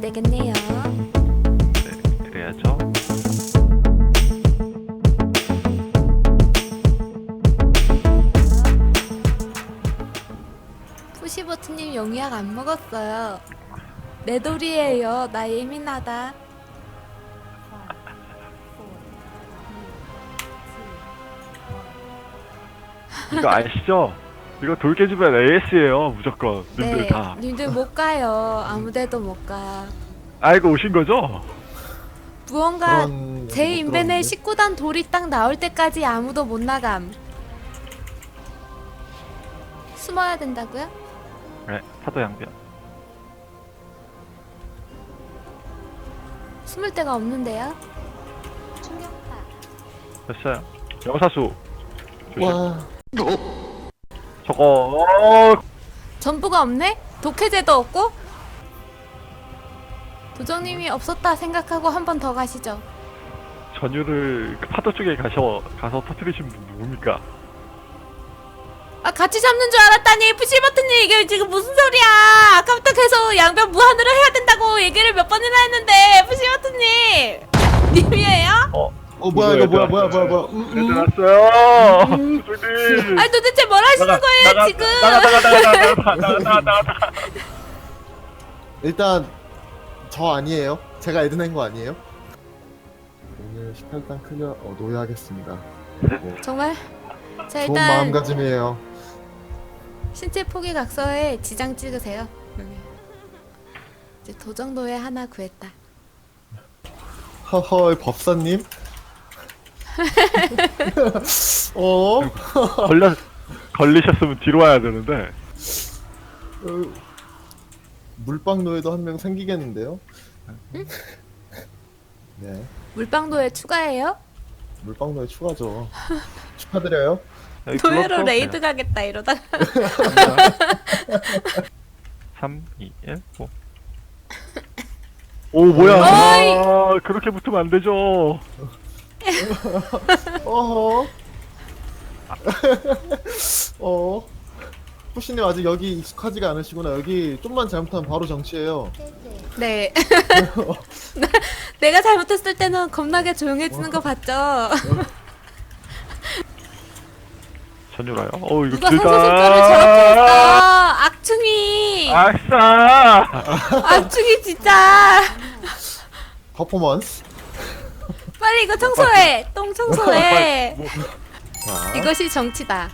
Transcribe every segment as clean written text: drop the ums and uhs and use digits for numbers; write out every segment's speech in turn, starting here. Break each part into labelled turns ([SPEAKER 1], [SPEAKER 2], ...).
[SPEAKER 1] 되겠네요.
[SPEAKER 2] 네, 그래야죠.
[SPEAKER 1] 푸시버트님 영유약 안 먹었어요. 내 돌이에요. 나 예민하다.
[SPEAKER 2] 이거 아시죠? 이거 돌 깨지면 AS예요 무조건. 님들
[SPEAKER 1] 네,
[SPEAKER 2] 다
[SPEAKER 1] 님들 못 가요. 아무데도 못 가.
[SPEAKER 2] 알고 오신 거죠?
[SPEAKER 1] 무언가
[SPEAKER 3] 그런
[SPEAKER 1] 제
[SPEAKER 3] 못
[SPEAKER 1] 인벤에
[SPEAKER 3] 들었는데?
[SPEAKER 1] 19단 돌이 딱 나올 때까지 아무도 못 나감. 숨어야 된다고요?
[SPEAKER 2] 네, 사도 양변.
[SPEAKER 1] 숨을 데가 없는데요?
[SPEAKER 2] 됐어요. 영사수. 조심.
[SPEAKER 3] 와,
[SPEAKER 2] 저거
[SPEAKER 1] 전부가 없네? 독해제도 없고? 도정님이 없었다 생각하고 한 번 더 가시죠.
[SPEAKER 2] 전유를 그 파도 쪽에 가서 터뜨리신 분 누굽니까?
[SPEAKER 1] 아 같이 잡는 줄 알았다니 푸시버튼님 이게 지금 무슨 소리야. 아까부터 계속 양변 무한으로 해야 된다고 얘기를 몇 번이나 했는데 푸시버튼님 님이에요?
[SPEAKER 3] 뭐야 이거 뭐야.
[SPEAKER 2] 애들 왔어요. 부장님.
[SPEAKER 1] 아니 도대체 뭘 하시는 거예요 지금.
[SPEAKER 2] 나가.
[SPEAKER 3] 일단 저 아니에요. 제가 애드 낸거 아니에요. 오늘 18단 클리어 노예하겠습니다.
[SPEAKER 1] 정말? 자
[SPEAKER 3] 좋은
[SPEAKER 1] 일단
[SPEAKER 3] 마음가짐이에요.
[SPEAKER 1] 신체 포기 각서에 지장 찍으세요. 여기. 이제 도정도에 하나 구했다.
[SPEAKER 3] 허허 법사님.
[SPEAKER 2] 걸리셨으면 뒤로 와야 되는데.
[SPEAKER 3] 물방 노예도 한 명 생기겠는데요. 네,
[SPEAKER 1] 물방도에 추가해요?
[SPEAKER 3] 물방 노예 추가죠. 축하드려요.
[SPEAKER 2] 여기
[SPEAKER 1] 도예로
[SPEAKER 2] 불렀어?
[SPEAKER 1] 레이드 가겠다 이러다가.
[SPEAKER 2] 3, 2, 1, 5. 오 뭐야? 아, 그렇게 붙으면 안 되죠.
[SPEAKER 3] 어허. 푸시님 아직 여기 익숙하지가 않으시구나. 여기 좀만 잘못하면 바로 정치예요.
[SPEAKER 1] 네. 내가 잘못했을 때는 겁나게 조용해지는 거 봤죠?
[SPEAKER 2] 전율아요? 이거
[SPEAKER 1] 누가
[SPEAKER 2] 길다.
[SPEAKER 1] 성소수자를 저렇게 했어? 악충이!
[SPEAKER 2] 아싸!
[SPEAKER 1] 악충이 진짜!
[SPEAKER 3] 퍼포먼스.
[SPEAKER 1] 빨리 이거 청소해! 똥 청소해!
[SPEAKER 3] 자,
[SPEAKER 1] 이것이 정치다.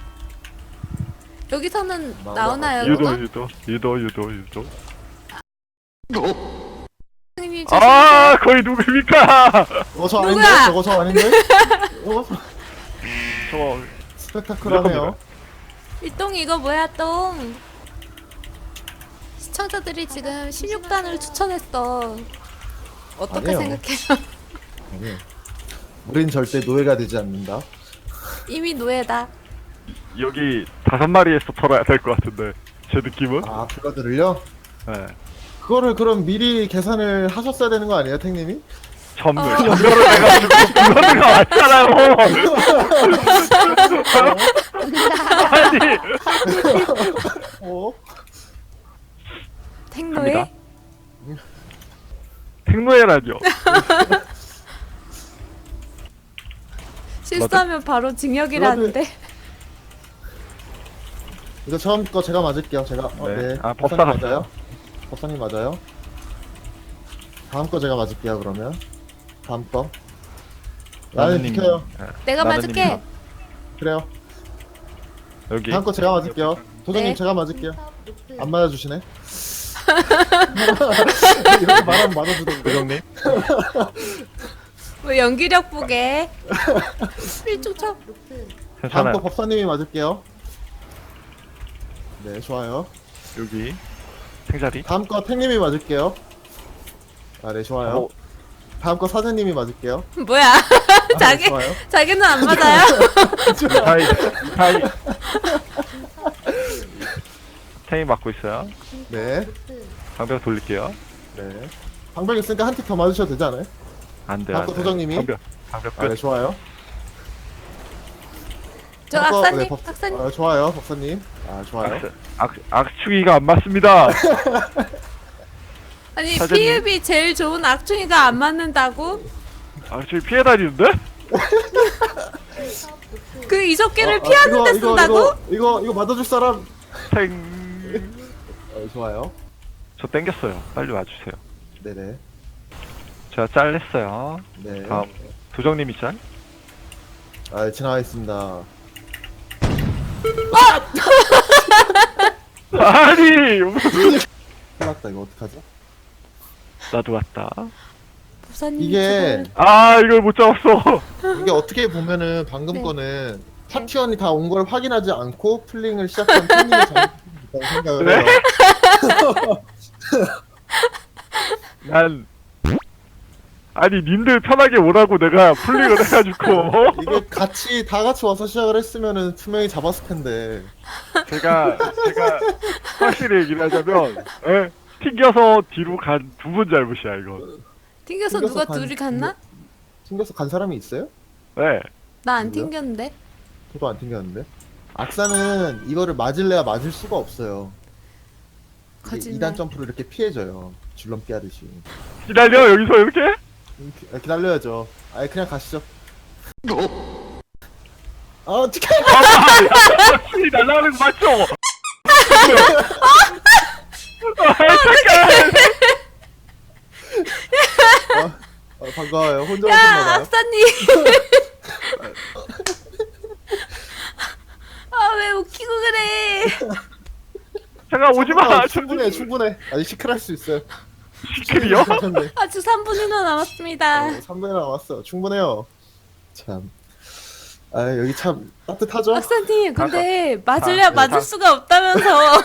[SPEAKER 1] 여기서는
[SPEAKER 3] 나온다.
[SPEAKER 1] 나오나요,
[SPEAKER 2] 유도
[SPEAKER 1] 그거?
[SPEAKER 2] 유도.
[SPEAKER 1] 선생님
[SPEAKER 2] 아 거의 누굽니까?
[SPEAKER 3] 저 아닌데?
[SPEAKER 1] 누구야?
[SPEAKER 3] 저거 저 아닌데?
[SPEAKER 2] 저
[SPEAKER 3] 스펙타클하네요.
[SPEAKER 1] 이 똥 이거 뭐야 똥? 시청자들이 지금 16단을 추천했어. 어떻게
[SPEAKER 3] 아니에요.
[SPEAKER 1] 생각해요?
[SPEAKER 3] 아니, 우린 절대 노예가 되지 않는다.
[SPEAKER 1] 이미 노예다.
[SPEAKER 2] 여기 5마리에서 털어야 될 것 같은데 제 느낌은?
[SPEAKER 3] 아, 그거들을요?
[SPEAKER 2] 네.
[SPEAKER 3] 그거를 그럼 미리 계산을 하셨어야 되는 거 아니에요, 탱님이?
[SPEAKER 2] 전멸을 해가지고 그거가 왔잖아요. 아니
[SPEAKER 1] 택노예?
[SPEAKER 2] 갑니다. 택노예라뇨.
[SPEAKER 1] 실수하면 바로 징역이라는데.
[SPEAKER 3] 이거 처음 거 제가 맞을게요. 제가.
[SPEAKER 2] 네.
[SPEAKER 3] 네.
[SPEAKER 2] 아,
[SPEAKER 3] 법사님
[SPEAKER 2] 법사
[SPEAKER 3] 맞아요? 법사님 맞아요? 다음 거 제가 맞을게요, 그러면. 다음 거. 나는 비켜요.
[SPEAKER 1] 내가
[SPEAKER 2] 나는님
[SPEAKER 1] 맞을게.
[SPEAKER 3] 그래요.
[SPEAKER 2] 여기
[SPEAKER 3] 다음 거 제가 맞을게요. 도전님
[SPEAKER 1] 네.
[SPEAKER 3] 제가 맞을게요. 안 맞아주시네. 이렇게 말하면 맞아주던데.
[SPEAKER 2] 부장님.
[SPEAKER 1] 뭐 연기력 보게. 일쪽 쳐.
[SPEAKER 3] 다음
[SPEAKER 2] 괜찮아요.
[SPEAKER 3] 거 법사님이 맞을게요. 네, 좋아요.
[SPEAKER 2] 여기 생자리.
[SPEAKER 3] 다음 거 탱님이 맞을게요. 아, 네, 좋아요. 다음 거 사장님이 맞을게요.
[SPEAKER 1] 뭐야?
[SPEAKER 3] 아, 네,
[SPEAKER 1] 자기
[SPEAKER 3] 좋아요.
[SPEAKER 1] 자기는 안 맞아요?
[SPEAKER 2] 이타이. 탱이 맞고 있어요.
[SPEAKER 3] 네,
[SPEAKER 2] 방벽 돌릴게요.
[SPEAKER 3] 네. 방벽 있으니까 한 틱 더 맞으셔도 되지 않아요?
[SPEAKER 2] 안 돼.
[SPEAKER 3] 다음 거 도정님이?
[SPEAKER 2] 방벽
[SPEAKER 3] 아, 네,
[SPEAKER 2] 끝.
[SPEAKER 3] 좋아요.
[SPEAKER 1] 저
[SPEAKER 3] 다음 거,
[SPEAKER 1] 악사님,
[SPEAKER 3] 네,
[SPEAKER 1] 악사님.
[SPEAKER 3] 좋아요, 법사님. 아, 좋아요.
[SPEAKER 2] 악추기가 안 맞습니다.
[SPEAKER 1] 아니
[SPEAKER 2] 사장님.
[SPEAKER 1] 피읍이 제일 좋은 악충이가 안 맞는다고?
[SPEAKER 2] 아 지금 피해 다니는데?
[SPEAKER 1] 그 이석기를 피하는데 쓴다고?
[SPEAKER 3] 이거 맞아줄 사람.
[SPEAKER 2] 탱.
[SPEAKER 3] 좋아요.
[SPEAKER 2] 저 땡겼어요. 빨리 와주세요.
[SPEAKER 3] 네네.
[SPEAKER 2] 제가 짤냈어요.
[SPEAKER 3] 네.
[SPEAKER 2] 다음 도정님이 짤?
[SPEAKER 3] 지나가겠습니다.
[SPEAKER 2] 아니
[SPEAKER 3] 큰일 났다, 이거 어떡하죠?
[SPEAKER 2] 나도 왔다.
[SPEAKER 1] 부사님
[SPEAKER 3] 이게,
[SPEAKER 2] 아 이걸 못 잡았어.
[SPEAKER 3] 이게 어떻게 보면은 방금
[SPEAKER 1] 네.
[SPEAKER 3] 거는 파티원이 다 온 걸 확인하지 않고 플링을 시작한 팬님의 잘못이라고 생각을
[SPEAKER 2] 네?
[SPEAKER 3] 해요.
[SPEAKER 2] 난 아니 님들 편하게 오라고 내가 플링을 해가지고
[SPEAKER 3] 이게 다 같이 와서 시작을 했으면은 투명히 잡았을 텐데.
[SPEAKER 2] 제가 확실히 얘기를 하자면 튕겨서 뒤로 간 두 분 잘못이야 이거.
[SPEAKER 1] 튕겨서
[SPEAKER 3] 튕겨서
[SPEAKER 1] 누가
[SPEAKER 3] 간-
[SPEAKER 1] 둘이 갔나?
[SPEAKER 3] 튕겨서 간 사람이 있어요?
[SPEAKER 2] 네.
[SPEAKER 1] 나 안
[SPEAKER 3] 누구야?
[SPEAKER 1] 튕겼는데.
[SPEAKER 3] 저도 안 튕겼는데. 악사는 이거를 맞을래야 맞을 수가 없어요. 이게
[SPEAKER 1] 거짓말.
[SPEAKER 3] 2단 점프를 이렇게 피해져요. 줄넘기 하듯이.
[SPEAKER 2] 기다려 여기서 이렇게?
[SPEAKER 3] 기다려야죠. 아예 그냥 가시죠. 아 어떡해.
[SPEAKER 2] 확실히 날라가는 거 맞죠? 잠깐.
[SPEAKER 3] 반가워요. 혼자
[SPEAKER 1] 야
[SPEAKER 3] 오셨나봐요.
[SPEAKER 1] 악사님. 아 왜 웃기고 그래?
[SPEAKER 2] 잠깐 오지마.
[SPEAKER 3] 충분해. 아직 시크할 수 있어요.
[SPEAKER 2] 시클이요?
[SPEAKER 3] 네.
[SPEAKER 1] 아직 3분이나 남았습니다.
[SPEAKER 3] 3분이 남았어. 충분해요. 참. 여기 참 따뜻하죠?
[SPEAKER 1] 악사님 근데 맞을래야
[SPEAKER 2] 네,
[SPEAKER 1] 맞을
[SPEAKER 2] 다-
[SPEAKER 1] 수가 없다면서.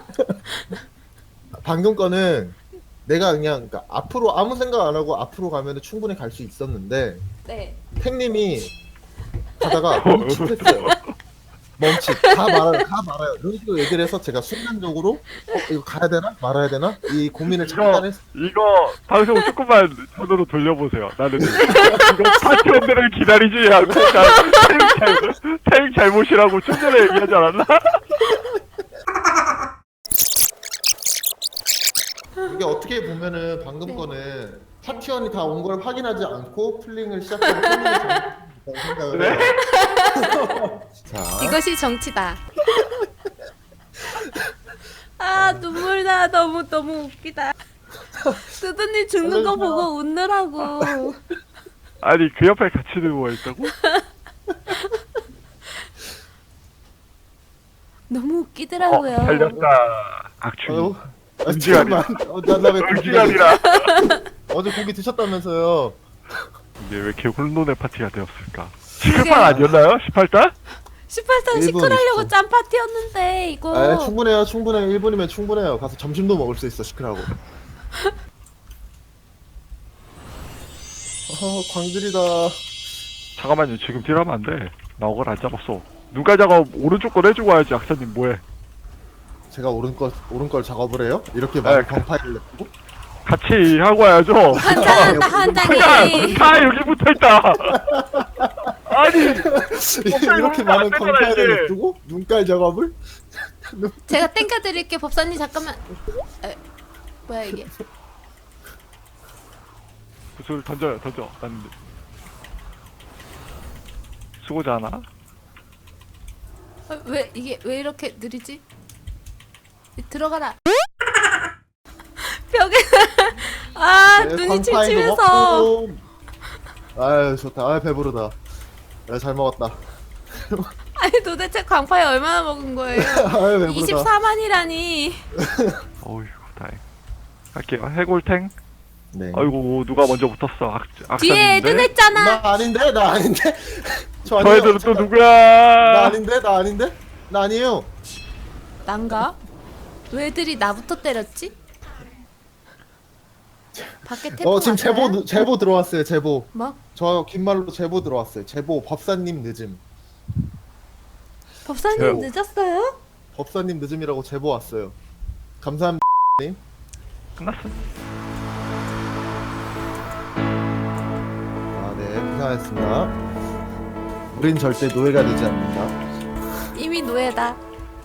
[SPEAKER 3] 방금 거는 내가 그냥 그러니까 앞으로 아무 생각 안 하고 앞으로 가면 충분히 갈 수 있었는데
[SPEAKER 1] 네.
[SPEAKER 3] 탱님이 가다가 멈칫했어요. 멈칫. 가 말아요. 이런 식으로 얘기를 해서 제가 순간적으로 이거 가야 되나 말아야 되나 이 고민을 잠깐 했어.
[SPEAKER 2] 이거 방송 조금만 전으로 돌려보세요. 나는 이거 파티원들을 기다리지 않고 타임 잘못이라고 좀 전에 얘기하지 않았나?
[SPEAKER 3] 이게 어떻게 보면은 방금
[SPEAKER 1] 네.
[SPEAKER 3] 거는 파티원이 다 온 걸 확인하지 않고 플링을 시작한 팬님의 잘못이라고 생각을
[SPEAKER 2] 네?
[SPEAKER 3] 해요. 자,
[SPEAKER 1] 이것이 정치다. 아 눈물 나. 너무 웃기다. 두두님 죽는 거 보고 웃느라고.
[SPEAKER 2] 아니 그 옆에 같이 누워 있다고?
[SPEAKER 1] 너무 웃기더라고요.
[SPEAKER 2] 살렸다. 악충이. 음식 아니라.
[SPEAKER 3] 잠깐만. 나왜
[SPEAKER 2] 음식 아니라.
[SPEAKER 3] 어제 고기 드셨다면서요?
[SPEAKER 2] 이게 왜 이렇게 혼돈의 파티가 되었을까? 18판 아니었나요? 18단?
[SPEAKER 1] 18단
[SPEAKER 3] 일본
[SPEAKER 1] 시크하려고
[SPEAKER 3] 있어.
[SPEAKER 1] 짠 파티였는데 이거.
[SPEAKER 3] 충분해요. 1분이면 충분해요. 가서 점심도 먹을 수 있어, 시크라고. 광들이다.
[SPEAKER 2] 잠깐만요. 지금 딜하면 안 돼. 나 어글 안 잡았어. 누가 작업 오른쪽 거 내주고 와야지. 악사님 뭐해?
[SPEAKER 3] 제가 오른 걸 작업을 해요? 이렇게 많은
[SPEAKER 2] 네.
[SPEAKER 3] 광파일을 냈고?
[SPEAKER 2] 같이 하고 와야죠.
[SPEAKER 1] 한 잔이.
[SPEAKER 2] 다 여기 붙어 있다. 아니
[SPEAKER 3] 이렇게 많은 광파일을 냅두고? 눈깔 작업을?
[SPEAKER 1] 제가 땡겨드릴게 법사님 잠깐만. 뭐야 이게?
[SPEAKER 2] 구슬 던져. 난 수고자 하나?
[SPEAKER 1] 왜 이게 왜 이렇게 느리지? 들어가라. 벽에. 아 눈이 침침해서.
[SPEAKER 3] 아유 좋다. 아유 배부르다. 잘 먹었다.
[SPEAKER 1] 아니 도대체 광파에 얼마나 먹은 거예요?
[SPEAKER 3] 아유 배부르다.
[SPEAKER 1] 24만이라니.
[SPEAKER 2] 어휴 다행. 갈게요. 해골탱.
[SPEAKER 3] 네.
[SPEAKER 2] 아이고 누가 먼저 붙었어.
[SPEAKER 1] 뒤에
[SPEAKER 2] 악사님인데?
[SPEAKER 1] 애든 했잖아.
[SPEAKER 3] 나 아닌데? 저
[SPEAKER 2] 저
[SPEAKER 3] 아니에요.
[SPEAKER 2] 애들은 또
[SPEAKER 3] 잠깐. 나
[SPEAKER 2] 누구야?
[SPEAKER 3] 아닌데? 나 아니에요.
[SPEAKER 1] 난가? 왜 애들이 나부터 때렸지? 밖에 태풍
[SPEAKER 3] 지금
[SPEAKER 1] 왔어요?
[SPEAKER 3] 제보 들어왔어요. 제보.
[SPEAKER 1] 뭐?
[SPEAKER 3] 저 긴말로 제보 들어왔어요. 제보 법사님 늦음.
[SPEAKER 1] 법사님
[SPEAKER 2] 네.
[SPEAKER 1] 늦었어요?
[SPEAKER 3] 법사님 늦음이라고 제보 왔어요. 감사합니다.
[SPEAKER 2] 끝났어.
[SPEAKER 3] 네, 고생하셨습니다. 우린 절대 노예가 되지 않는다.
[SPEAKER 1] 이미 노예다.